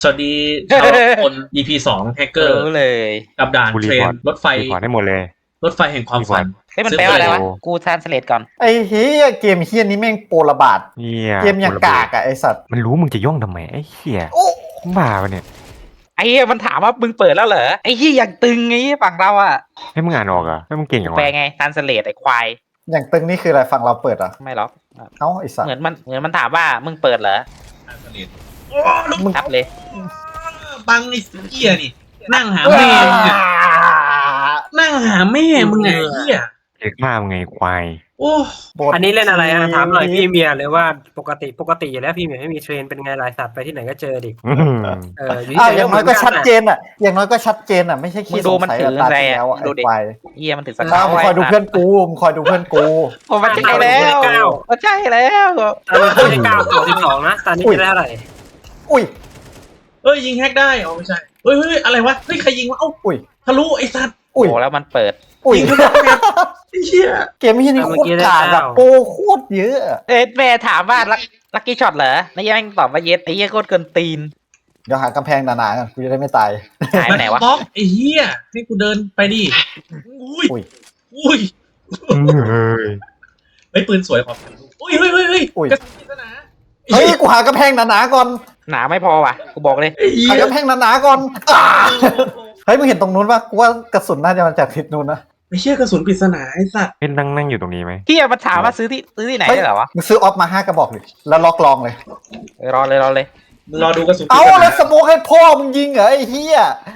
สวัสดีชาวคน EP 2แฮกเกอร์รู้เลยกับด่านกูรีเทรพนอร์ตรถไฟรีพอร์ตให้หมดเลยรถไฟแห่งความฝันเฮ้ยมันแปลว่าอะไรวะโอ้กูทรานสเลตก่อนไอ้เฮียเกมเฮียนี้แม่งโปรระบาดเนี่ยเกมอย่างกากอะไอสัตว์มันรู้มึงจะย่องทำไมไอ้เหี้ยโอ้บ้าปะเนี่ยไอ้เหี้ยมันถามว่ามึงเปิดแล้วเหรอไอ้เหี้ยอย่างตึงไอ้เหี้ยฝั่งเราอะให้มึงอ่านออกเหรอ่ะให้มึงเก่งอย่างแปลวะไงทรานสเลตไอ้ควายอย่างตึงนี่คืออะไรฝั่งเราเปิดอ่ะไม่หรอกเอ้าไอสัตเหมืว์อนมันถามว่ามึงเปิดเหรอโอ้ลูกมึงทับเลยบังไอ้เหี้ยนี่ นั่งหาแม่มึงอะนั่งหาแม่มึงไงเหี้ยเอกมามึงไงควายโอ้บทอันนี้เล่นอะไรถามหน่อยพี่เมียเลยว่าปกติอยู่แล้วพี่เมียไม่มีเทรนเป็นไงลายสัตว์ไปที่ไหนก็เจอดิอื้อหืออยู่อ้าวที่อย่างน้อยก็ชัดเจนอ่ะอย่างน้อยก็ชัดเจนอ่ะไม่ใช่มึขี้งสดูงมันสัยถือตาอะไรที่อะแล้วอะดูไอ้ดิควายเหี้ยมันถือสอ้าเกาวมึงคอยดูเพื่อนกูมึงคอยดูเพื่อนกูโอ้มันใช่แล้วมันใช่แล้วตอนนี้ไม่ได้9 12นะตอนนี้ไม่ได้เท่าไหร่อุ้ยเอ้ยยิงแฮกได้อ๋อไม่ใช่เฮ้ยอะไรวะเฮ้ยใครยิงวะเอ้าอุ้ยทะลุไอ้สัตว์อุ้ยโอ้แล้วมันเปิดอุ้ยยิงทะลุแมปไอ้เหี้ยเกมเฮียนี่โคตรกากอะโปรโคตรเยอะอะแม่ถามว่าลักกี้ช็อตเหรอแล้วยังตอบว่าเย็ดไอ้เหี้ยโคตรเกินตีนเดี๋ยวหากำแพงหนาๆกันกูจะได้ไม่ตายหายไปไหนวะบล็อกไอ้เหี้ยให้กูเดินไปดิอุ้ยอุ้ยอุ้ยเฮ้ยเฮ้ยปืนสวยขอบคุณอุ้ยเฮ้ยอุ้ยกระสุนปริศนาเฮ้ยกูหากำแพงหนาๆก่อนหนาไม่พอว่ะกูบอกเลยไอ้เหี้หาย กำแพงหนาๆก่อนเฮ้ยมึงเห็นตรงนู้นปะกูว่ากระสุนน่าจะมาจากทิศนู้นนะไอ้เหี้ยกระสุนปริศนาไอ้สัตว์เป็นนั่งอยู่ตรงนี้ไหมเหี้ยมันถามว่าซื้อที่ไหนได้เหรอวะมึงซื้อออฟมา5 กระบอกเลยแล้วล็อกลองเลยรอเลยมึงรอดูกระสุนปริเอาศแล้นาวสโมกให้พ่อมึงยิงเหรอไอ้เหี้ย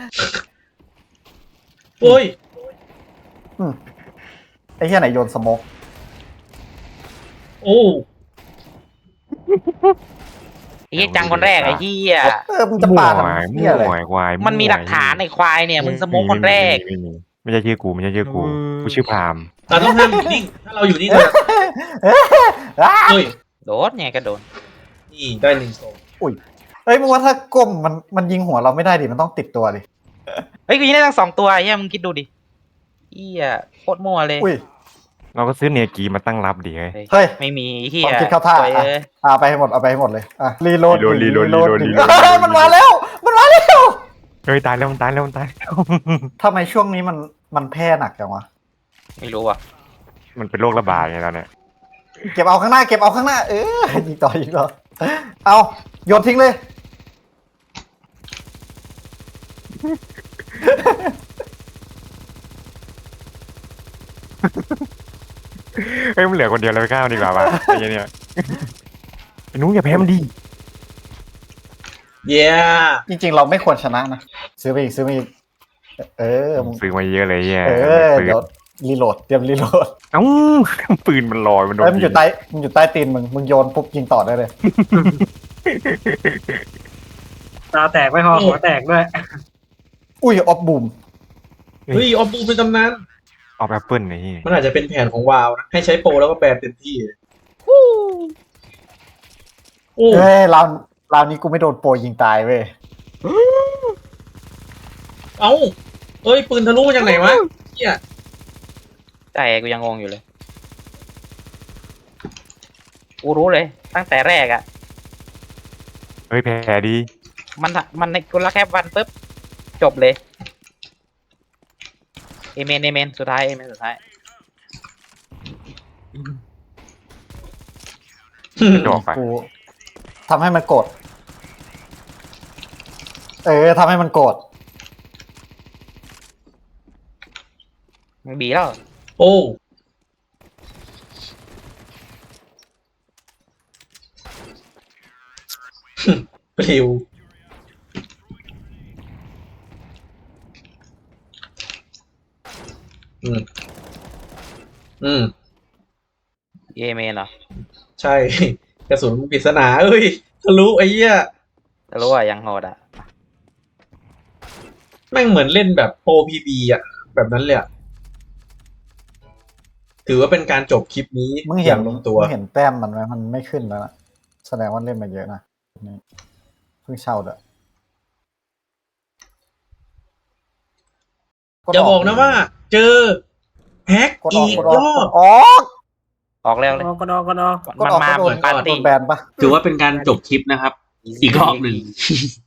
โอ้ยไอ้เหี้ยไหนโยนสโมกโอ้ไอ้เหี้ยจังคนแรกไอ้เหี้ยมึงจะมั่วปาทำควายเหี้ยอะไรมั่วควายมันมีหลักฐานในควายเนี่ยมึงสโมกคนแรกไม่ใช่ชื่อกูไม่ใช่ชื่อกูกูชื่อพรามเราต้องห้ามอยู่นิ่งถ้าเราอยู่นิ่งเราเฮ้ยโดนไงก็โดนนี่ได้หนึ่งโซนเฮ้ยมึงว่าถ้าก้มมันยิงหัวเราไม่ได้ดิมันต้องติดตัวดิเฮ้ยกูยิงได้ทั้ง2 ตัวไอ้เหี้ยมึงคิดดูดิเหี้ยโคตรมั่วเลยอุ้ยเราก็ซื้อเนกีมาตั้งรับดีเฮ้ยเฮ้ยไม่มีไอ้เหี้ควาย มคิดเข้าท่าโอ้ยอ่ะเอ้ยเอาไปให้หมดเอาไปให้หมดเลยอ่ะรีโหลดรีโหลดเฮ้ยมันมาแล้วมันมาแล้วเฮ้ยตายแล้วมันตายแล้วมันตายแล้วทำไมช่วงนี้มันแพร่หนักจังวะไม่รู้อ่ะมันเป็นโรคระบาดไงตอนเนี้ยเก็บเอาข้างหน้าเก็บเอาข้างหน้ายิงต่อเอาโยนทิ้งเลยเฮ้ยมันเหลือคนเดียวเลยไปข้าวดีกว่าวะไอ้เหี้ยเนี่ยไอ้นุ้งอย่าแพ้มันดีเย้จริงๆเราไม่ควรชนะนะซื้อไปอีกมึงซื้อมาเยอะเลยเหี้ยปืนเดี๋ยวรีโหลดเตรียมรีโหลดเอ้าปืนมันลอยมันโดนเอ้ยมันอยู่ใต้ตีนมึงโยนปุ๊บยิงต่อได้เลยตาแตกไม่พอหัวแตกด้วยอุ้ยออฟบูมเฮ้ยออฟบูเป็นตำนานออกแอปเปิลไอ้เหี้ยมันอาจจะเป็นแผนของวาวนะให้ใช้โปรแล้วก็แปลเต็มที่โอ้เฮ้ยราวนี้กูไม่โดนโปรยิงตายเว้ยเอ้าเอ้ยปืนทะลุมาจากไหนวะเหี้ยใจกูยังงงอยู่เลยกูรู้เลย ตั้งแต่แรกอ่ะเฮ้ยแพ้ดีมันในกูรักแค่วันปุ๊บจบเลยเอเมนสุดท้ายสุดท้ายจะออกไปกูทำให้มันโกรธทำให้มันโกรธมึงบีแล้วโอ้ปลิวอืมเอเมนเหรอใช่ กระสุนปริศนาเอ้ยทะลุไอ้เหี้ยแต่รู้ว่ายังโหดอ่ะแม่งเหมือนเล่นแบบโปรพีบีอ่ะ แบบนั้นเลยอ่ะ ถือว่าเป็นการจบคลิปนี้มึงอเห็นย่างลงตัวมึงเห็นแต้มมันไหมมันไม่ขึ้นแล้วนะแสดงว่าเล่นมาเยอะนะนี่เพิ่งเช่าเด้ออย่าบอกนะว่า เจอแฮกกดออีอกกกดอรอกอก บออกออกแล้วเลยก็นอมันมาเหมือนปาร์โดตี้นแบนปะถือว่าเป็นการจบคลิปนะครับ อีกรอบหนึ่ง